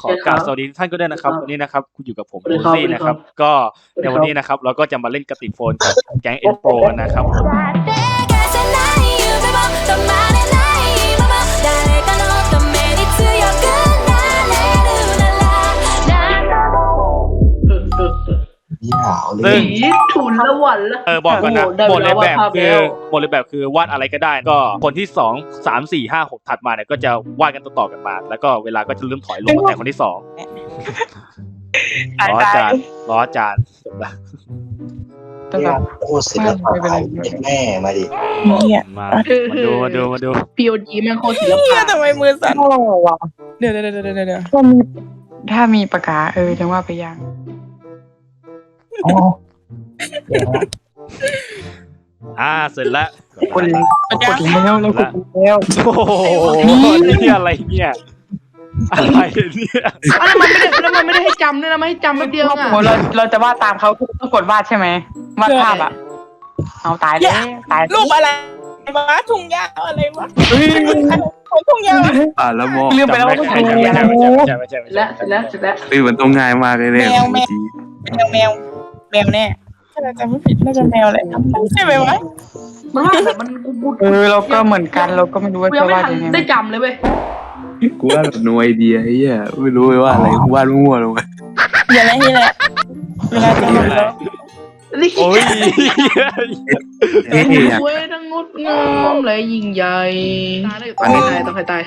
อกราบสวัสดีท่านก็ได้นะครับวันนี้นะครับคุณอยู่กับผมโรซี่นะครับก็ในวันนี้นะครับเราก็จะมาเล่นกระติกโฟนกับแก๊งเอ็นโปรนะครับซึ่งถุนละวันละบอกก่อนนะหมดเลยแบบคือวาดอะไรก็ได้ก็คนที่2 3 4 5 6ถัดมาเนี่ยก็จะวาดกันต่อๆกันมาแล้วก็เวลาก็จะเริ่มถอยลงแต่คนที่2ล้อจานจบละโอ้ศิลปะไทยแม่มาดิมาดู POG แม่งโคตรศิลปะทำไมมือสั่นเดี๋ยวถ้ามีปากกาจังว่าไปยังเสร็จแล้วกดแล้วโอ้โหนี่อะไรเนี่ยอะไรเนี่ยแล้วมันไม่ได้ให้จำด้วยนะไม่ให้จำแป๊บเดียวอ่ะเราจะวาดตามเขาต้องกดวาดใช่ไหมวาดภาพอ่ะเอาตายเลยรูปอะไรวะทุ่งหญ้าอะไรวะทุ่งหญ้าแล้วมองลืมไปแล้วว่าใช่แล้วมันต้องง่ายมากเลยเนี่ยแมวแน่ถ้าเราจำไม่ผิดน่าจะแมวแหละใช่ไหมวะมันว่าแต่มันกูเราก็เหมือนกันเราก็ไม่รู้ว่าจะวาดยังไงได้จำเลยเว้ยกูว่าแบบโนไอเดียไอ้เหี้ยไม่รู้ว่าอะไรกูวาดมั่วลงไปอย่าอะไรนี่แหละเวลาจะหมดแล้วโอ้ยสวยทั้งงดงามและยิ่งใหญ่ต้องใครตาย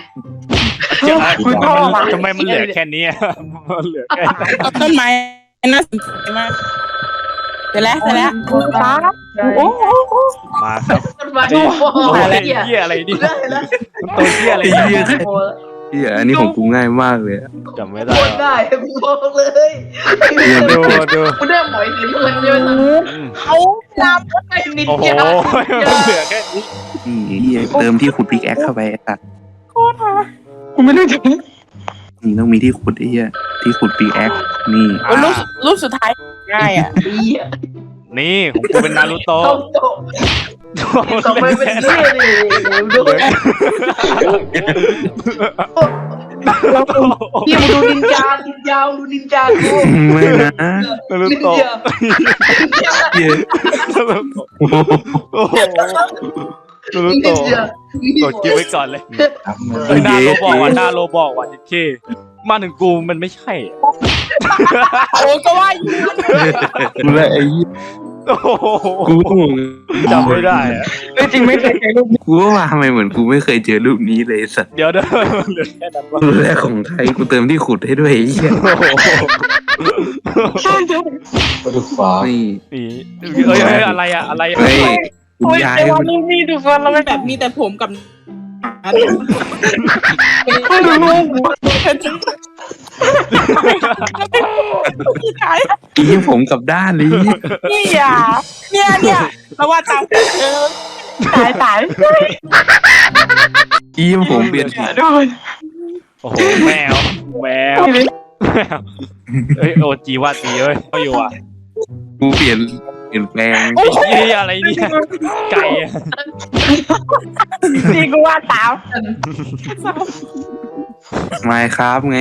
ทำไมมันเหลือแค่นี้มันเหลือแค่ต้นไม้น่าสนใจมากเสร็จแล้วโอ้มาครับโอ้ยเหี้ยอะไรนี่มันตัวเหี้ยอะไรเนี่ยอันนี้ของกูง่ายมากเลยจำไม่ได้ได้บอกเลยดูกูได้หมอยถึงมันเยอะเขาลำก็ไปนิดเดียวมันเหลือแค่นี้เติมที่ขุดพิกแอคเข้าไปตัดโคตรฮะกูไม่รู้จักนี่ต้องมีที่ขุดไอ้เหี้ยที่ขุดพิกแอคนี่รูปสุดท้ายง่ายอ่ะนี่ของกูเป็นนารูโตะต้องไปเป็นเรื่องเลยดูพี่มาดูนินจาดูนินจากูไม่นะนารูโตะนารูโตะกดกิ๊บไว้ก่อนเลยหน้าโลบอกว่ะเจ๊มาถึงกูมันไม่ใช่โอ้ก็ว่าอยู่กูเลยไอ้กูจำไม่ได้อะจริงไม่เคยเจอรูปกูว่าทำไมเหมือนกูไม่เคยเจอรูปนี้เลยสัตว์เดี๋ยวเหลือแค่นั้นรูปแรกของไทยกูเติมที่ขุดให้ด้วยไอ้เหี้ยก็ดูฟ้านี่อะไรคุณยายว่านี่ดูฟันเราแบบมีแต่ผมกับอีผมกับด้านนี้นี่อ่ะเนี่ยเราว่าตามตายอีผมเปลี่ยนโอ้โหแมวโอจีว่าตีเอ้ยก็อยู่อ่ะกูเปลี่ยนแปลงนี่อะไรเนี่ยไก่นี่กูว่าตามไม่ครับไง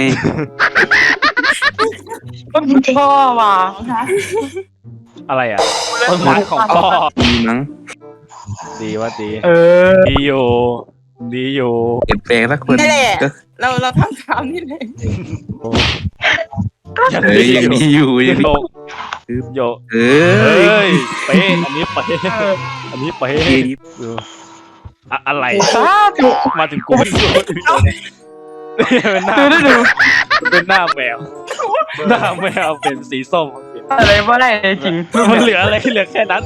ต้นพ่อว่ะอะไรอ่ะต้นไม้ของพ่อดีมั้งดีว่าดีดีอยู่เปลี่ยนแปลงสักคนนี่แหละเราทำตามนี่เลยยังดีอยู่ยังโยเป๊ะอันนี้เป๊ะอะไรมาถึงกูเป็นหน้าแมวเป็นสีส้มอะไรว่าอะไรจริงมันเหลืออะไรเหลือแค่นั้น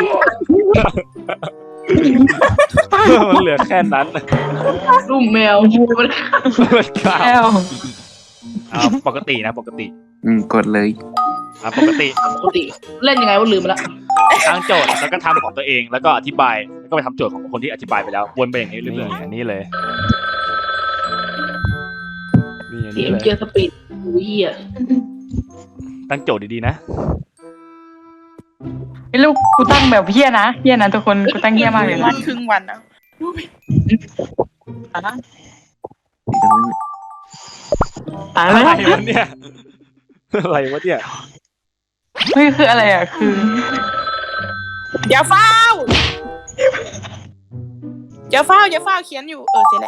มันเหลือแค่นั้นรูปแมวมันข้าวปกติกดเลยปกติเล่นยังไงวะลืมไปละตั้งโจทย์แล้วก็ทำของตัวเองแล้วก็อธิบายแล้วก็ไปทำโจทย์ของคนที่อธิบายไปแล้ววนไปอย่างนี้เรื่อยๆอันนี้เลยนี่เลยเกียร์สปีดตั้งโจทย์ดีๆนะไอ้ลูกกูตั้งแบบเฮี้ยนะทุกคนกูตั้งเฮี้ยมากเลยนะครึ่งวันนะตายอะแล้วไรวะเนี่ยอะไรวะเนี่ยเฮ้ยคืออะไรอ่ะคืออย่าเฝ้าอย่าเฝ้าเขียนอยู่เสร็จแล้ว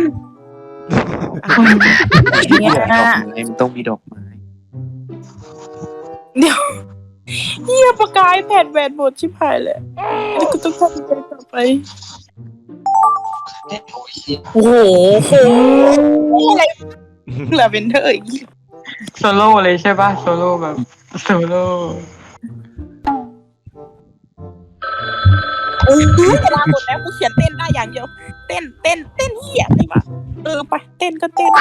เนี่ยดอกไม้มันต้องมีดอกไม้เดี๋ยวเฮียประกายแผ่นแหวนหมดชิบหายเลยแล้วก็ต้องทำใจต่อไปโอ้โหอะไรลาเวนเดอร์อีกโซโล่เลยใช่ป่ะโซโล่แบบโซโล่โอ้ยเวลาหมดแล้วกูเขียนเต้นได้อย่างเดียวเต้นเฮียอะไรวะไปเต้นก็เต้น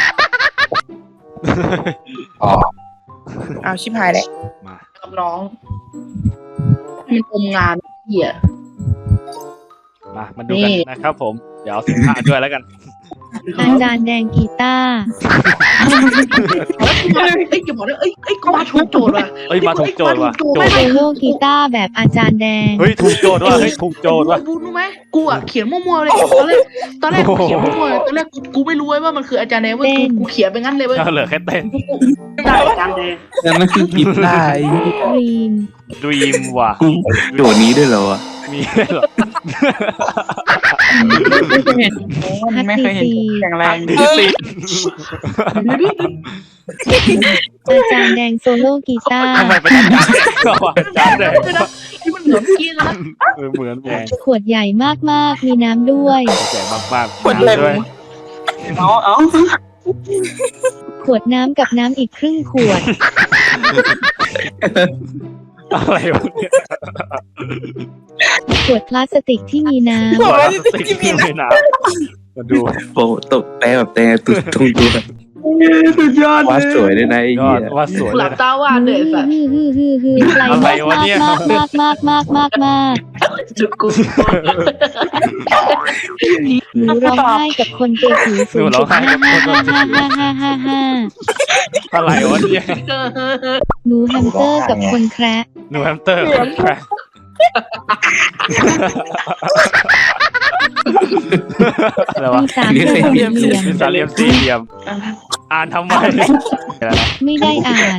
อ๋อเอาชิบหายแล้วมากับน้องมันอมงานเหี้ยมาดูกันนะครับผมเดี๋ยวเอาสินค้าด้วยแล้วกันอาจารย์แดงกีตาร์เอ้ยจะบอกเลยเอ้ยก็มาถูกโจทย์ว่ะเอ้ยมาถูกโจทย์ว่ะโจทย์โซโล่กีตาร์แบบอาจารย์แดงเฮ้ยถูกโจทย์ว่ะเฮ้ยถูกโจทย์ว่ะรู้ไหมกูอ่ะเขียนมั่วๆเลยตอนแรกกูเขียนมั่วๆตอนแรกกูไม่รู้ว่ามันคืออาจารย์แดงเว้ยกูเขียนไปงั้นเลยเว้ยเหลือแค่เต้นได้อาจารย์แดงแล้วมันคือกีตาร์ไอ้รีมดรีมว่ะกูโจทย์นี้ด้วยเหรอวะมีเหรอไม่เคยเห็นมันไม่เคยเห็นแข็งแรงที่สิอาจารย์แดงโซโล่กีตาร์ทำไมเป็นอาจารย์ก็อาจารย์แดงที่มันเหมือนเมื่อกี้นะเหมือนแดงขวดใหญ่มากๆมีน้ำด้วยแก่มากๆคนเลยด้วยเอาขวดน้ำกับน้ำอีกครึ่งขวดอะไรวะเนี่ยขวดพลาสติกที่มีน้ขวดพลาสติกที่มีน้ำมาดูโปะตกแต่แบบแต่ตุ่ตรงตัวสุดยอดวาดสวยด้วยนะไอ้ยอเหี้ดยว่าสวยหเลลัยบตาวาดเลยสัตว์ำไกลอะไรวะเนี่ยมากจุดกูหนูร้องไห้กับคนตัวผิวสูงจุด5 อะไรวะเนี่ยหนูแฮมสเตอร์กับคนแคระหนูแฮมสเตอร์อะไรวะมีสามเหลี่ยมมีสามเหลี่ยมสี่เหลี่ยมอ่านทำไมไม่ได้อ่าน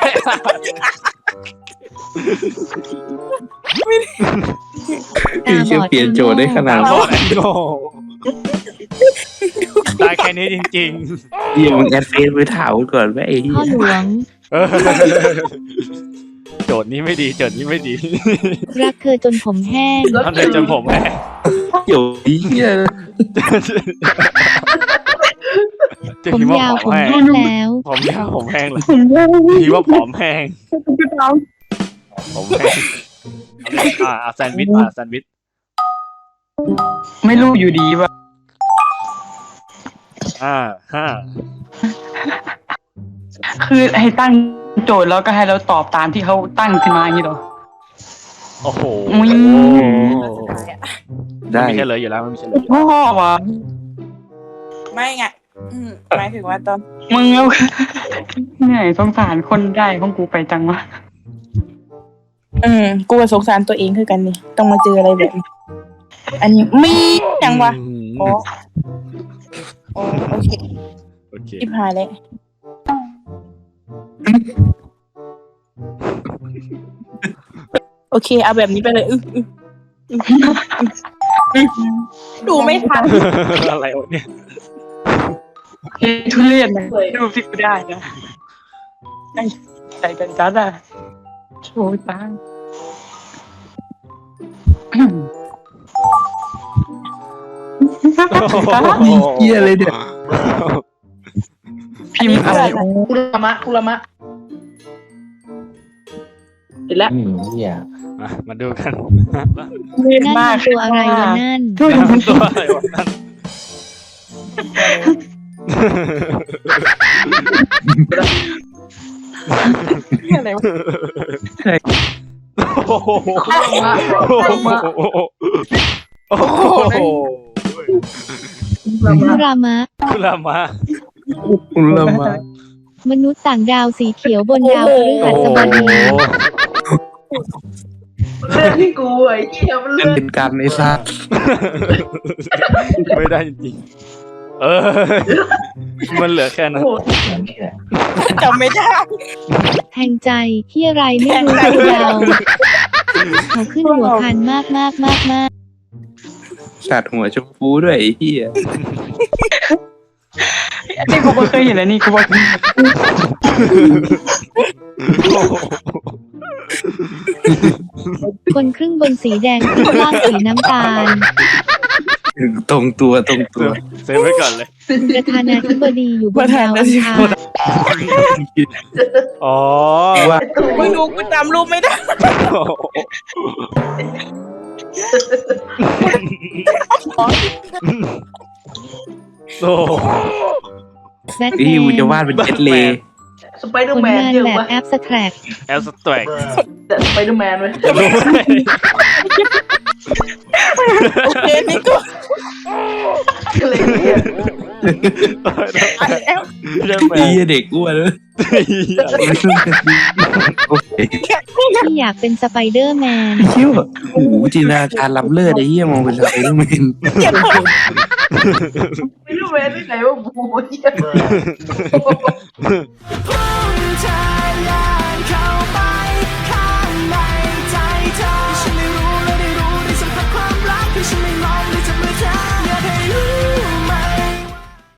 พี่เชี่ยวเปลี่ยนโจทย์ได้ขนาดโง่นั้นโง่ตายแค่นี้จริงเหี้ยมึงแอดเฟซไปถามกูก่อนว่าไอ้เหี้พ่อย หลวงๆโจทย์นี้ไม่ดีโจทย์นี้ไม่ดีรักเธอจนผมแห้งทำเลยจนผมแม่เดี๋ยวไอ้เหี้ยจะผมคิดว่ายาวผผมอมแห้งแห้งแล้วผมยาวผมแห้งเลยคิดว่าผอมแห้งผมแห้งแซนด์วิชแซนด์วิชไม่รู้อยู่ดีว่ะห้าคือให้ตั้งโจทย์แล้วก็ให้เราตอบตามที่เขาตั้งขึ้นมาอย่างนี้เหรอโอ้โหอุ๊ยได้ไม่ใช่เลยอยู่แล้วไม่ใช่เลยพ่อวะไม่ไงหมายถึงว่าตอนมึงเอาเหนื่อยสงสารคนได้ของกูไปจังวะกูสงสารตัวเองคือกันนี่ต้องมาเจออะไรแบบนี้อันนี้มียังวะโอ้โอเคโอเคชิบหายเลยโอเคเอาแบบนี้ไปเลยดูไม่ทันอะไรวะเนี่ยเฮ้ยทุเรียนนะดูสิกูได้นะใจเป็นจัดอะโชว์ตังเหี้ยเลยเนี่ยพิมพ์อะไรคุรามะเห็นแล้วเหี้ยมาดูกันเรียนนั่นมากมันตัวอะไรวะนั่นทุเรียนมันตัวอะไรวะนั่นอะไรวะโอ้โหคุรามะโอ้โหคุรามะคุณลามาคุณละมามนุษย์ต่างดาวสีเขียวบนดาวพฤหัสบดีเรื่องที่กูไอ้เหี้ยมันเป็เรื่องนการในซาไม่ได้จริงเออ มันเหลือแค่นั้นโอ้โหจำไม่ได้แทงใจที่อะไรไม่รู้ยาวเขาขึ้นหัวคันมากสัตว์หัวชมพูด้วยไอ้เหี้ยนี่กูไม่เคยเห็นเลยนี่กูบอกคนครึ่งบนสีแดงครึ่งล่างสีน้ำตาลตรงตัวเซฟไว้ก่อนเลยประธานาธิบดีอยู่บนดาวอังคารอ๋อว่าไม่รู้กูจำรูปไม่ได้โอ้แบทแมพี่กูจะนวาดเป็นเจ็ตเลย์สไปเดอผร์ลแมนงานเยอะแบบวะแอปสแตรกแอลสแตรกแต่สไปเดอร์แมนเว้ยจะรู้ไหมโอเคนี่กูอะไรเนี่ยอ่านแล้วเรื่องแมไอ้นเหี้ยเด็กอ้วนเลยโอเคที่อยากเป็นสไปเดอร์แมนเชี่ยวโอ้โหจินตนาการล้ำเลิศไอ้เหี้ยมองเป็นสไปเดอร์แมนสไปเดอร์แมนที่ไหนวะบูเหี้ย